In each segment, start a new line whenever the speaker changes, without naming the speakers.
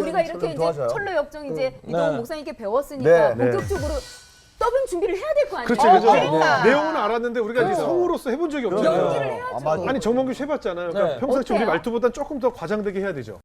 우리가 이렇게 이제
도와줘요.
철로 역정 이제 이동훈 목사님께 배웠으니까
네.
본격적으로 더빙 준비를 해야 될 거 아니에요?
그렇죠, 그렇죠.
그러니까.
내용은 알았는데 우리가 이제 성우로서 해본 적이 없잖아요.
연기를 해야죠.
아니 정몽규 씨 해봤잖아요. 그러니까 평상시 우리
어때요?
말투보단 조금 더 과장되게 해야 되죠.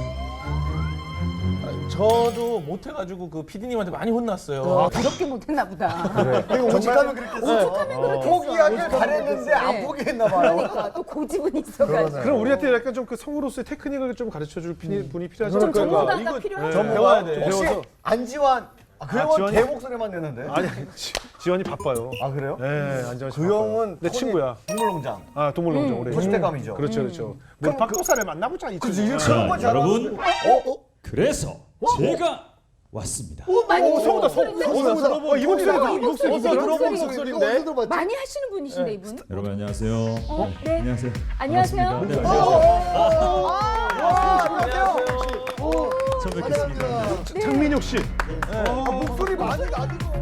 저도 못해가지고 그 PD님한테 많이 혼났어요.
그렇게 못했나 보다.
그리고 오직하면 그랬겠어. 포기하길 잘했는데 안 포기했나 봐요.
그러니까 또 고집은 있어가지고.
그럼 우리한테 약간 좀 그 성우로서의 테크닉을 좀 가르쳐줄 분이 필요하지
좀
않을까요?
전문가가
이거
필요하죠.
배워야 돼.
혹시
배워서.
안지환 그 형은
지환이-
제 목소리만 내는데?
아니 지원이 바빠요.
아 그래요?
네, 안지환 씨.
그
바빠요.
형은
내 친구야.
동물농장.
아 동물농장 오래.
토시대감이죠.
그렇죠, 그렇죠. 뭐 박도사를 만나보자 이
그치,
친구.
이거
자,
그런 거 잘하는데.
여러분. 그래서 제가 왔습니다.
많이
성우다,
들어본
성우. 이 목소리 이 목소리
들어본 목소리인데.
많이 하시는 분이신데 이분?
여러분 안녕하세요.
네.
안녕하세요.
안녕하세요.
반갑습니다. 네, 안녕하세요. 처음 뵙겠습니다.
장민혁 씨.
목소리 많이 나디고.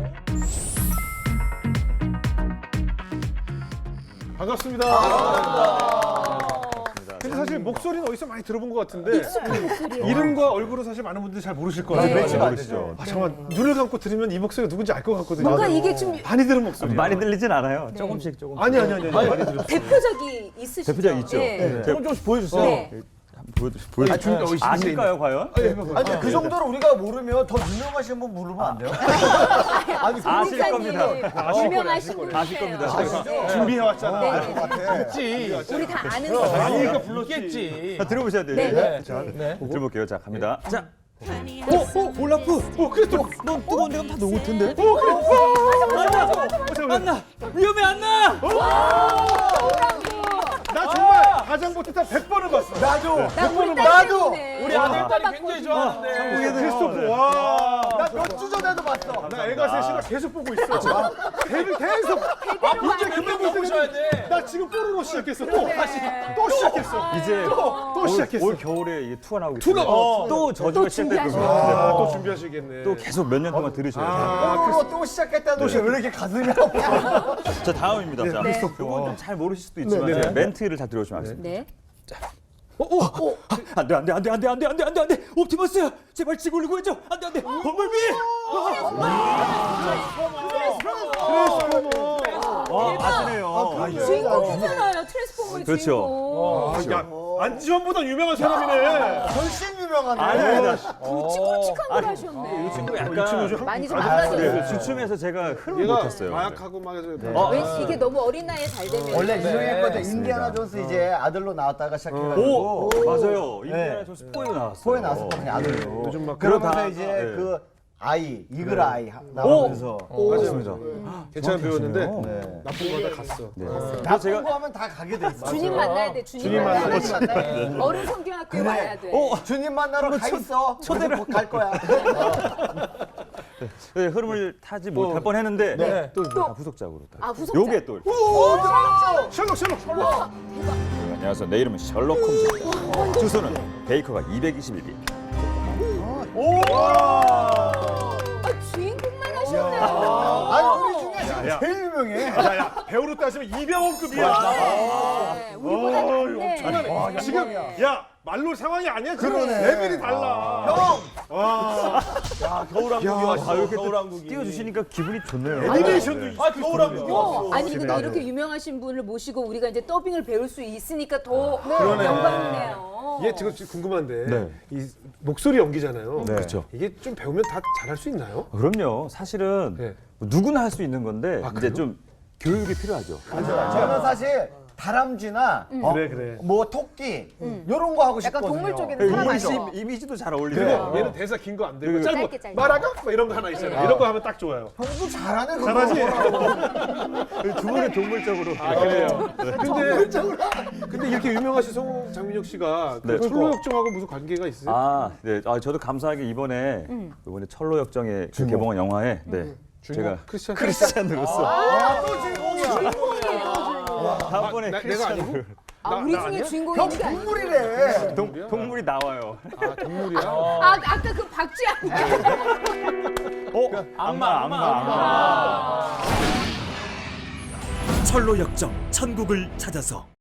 반갑습니다. 근데 사실 목소리는 어디서 많이 들어본 것 같은데
익숙한 목소리예요.
이름과 얼굴은 사실 많은 분들이 잘 모르실 거예요.
매치가 안 되죠.
아, 잠깐 눈을 감고 들으면 이 목소리가 누군지 알 것 같거든요.
뭔가 이게 좀
많이 들은 목소리.
많이 들리진 않아요. 조금씩 조금.
아니 많이 들었어요.
대표적이 있으시죠?
대표작 있죠.
네.
조금씩 보여주세요.
네.
보여드릴게요. 아실까요 과연?
아니 그 정도로 우리가 모르면 더 유명하신 분 부르면 안 돼요? 아니
아실 겁니다.
유명하신 분이세요.
아실 겁니다.
네.
준비해왔잖아.
네.
있지.
우리 다 아는 거.
아니니까 불렀지.
있겠지.
자, 들어보셔야 돼요.
네, 네.
자,
네.
들어볼게요. 자, 갑니다. 자,
올라프.
그래 또.
넌 뜨거운 데가 다 녹을 텐데.
안나.
위험해 안 나.
나 정말 가장 못했다 100번을 봤어.
나도.
나도.
우리 아들딸이 굉장히 좋아하는데.
크리스토프 와.
나 몇 주 전에도 봤어.
나 애가 셋이가 계속 보고 있어. 배를 계속. 이제 그때
보셔야 돼.
나 지금 뽀로로 시작했어. 또 시작했어.
이제
또 시작했어.
올 겨울에 이게 투가 나오기
투가,
때문에 또 저주가 시작될 거예요.
또 준비하시겠네.
또 계속 몇 년 동안 들으셔야 돼요.
뽀로로 또 시작했다는 것이 왜 이렇게 가슴이 아파?
자, 다음입니다. 자,
네.
이건 좀 잘 모르실 수도 있지만
네, 네.
멘트를 잘 들어주시면 하겠습니다.
네.
안돼. 옵티머스 제발 지구를 구해줘. 안돼. 범블비.
아시네요.
주인공이잖아요. 트랜스포머의
그렇죠.
주인공.
야, 안지원보다 유명한 사람이네.
훨씬 유명하네.
아닙니다.
굵직굵직한 걸 하셨네.
이 친구 약간
많이 좀 망가졌어요.
주춤해서 제가 흐름을
얘가
못했어요.
마약하고 막 해서
왜 이게 너무 어린 나이에 잘 되면
원래 유명했거든. 인디아나 존스 이제 아들로 나왔다가 시작해가지고.
오, 맞아요. 인디아나 존스 4에도 나왔어요.
포에 나왔었거든요, 아들로.
요즘 막
그러면서
그러다-
이제
네.
그 아이, 이글 아이 나오면서.
맞습니다.
괜찮은 배우였는데
네.
나쁜 거 하다 갔어.
나쁜 거 하면 다 가게 돼 있어.
주님 만나야 돼. 주님 만나야 돼. 어른 성경학교 와야 돼.
주님 만나러 가 있어. 초대를 갈 거야.
네, 흐름을 타지 못할 뻔했는데
네.
또 후속작으로.
아, 후속작.
요게 또.
셜록.
안녕하세요. 내 이름은 셜록 홈즈입니다. 주소는 베이커가 221비.
아, 주인공만 하셨네.
아니, 우리 중에 지금 제일 유명해.
야야 배우로 따지면 이병헌급이야.
네, 우리보다 낫네.
엄청나네. 지금 야 말로 상황이 아니야. 지금
그러네.
레벨이 달라.
형!
와.
겨울왕국이 왔어.
이렇게 또
겨울왕국이.
띄워주시니까 기분이 좋네요.
애니메이션도
겨울왕국이 왔어.
아니 근데 이렇게 유명하신 분을 모시고 우리가 이제 더빙을 배울 수 있으니까 더 영광이네요.
얘 지금 궁금한데
네.
이 목소리 연기잖아요.
네. 그렇죠.
이게 좀 배우면 다 잘할 수 있나요?
그럼요. 사실은
네.
누구나 할 수 있는 건데 이제
그래요?
좀 교육이 필요하죠.
저는 사실 다람쥐나
그래.
뭐 토끼 이런 거 하고
약간
싶거든요.
동물 쪽에는 사람 아니죠?
이미지도 잘
근데
어울리죠.
얘는 대사 긴 거 안 되고
짧게, 짧게.
말하가 막 이런 거 하나 있잖아요. 이런 거 하면 딱 좋아요.
형도 잘하네. 그거.
잘하지?
두 분은 동물적으로.
아 그래요. 근데 이렇게 유명하신 성우 장민혁 씨가 그
네.
철로 역정하고 무슨 관계가 있어요?
아, 네. 저도 감사하게 이번에 철로 역정의 그 개봉한 영화에 제가 크리스찬으로서 다음번에
내가 아니고?
아, 우리
나
중에
아니야?
주인공이
형
있는 게 아니고.
동물이래.
동물이 나와요.
아 동물이야?
아, 아까 그 박쥐
악마.
철로 역정 천국을 찾아서.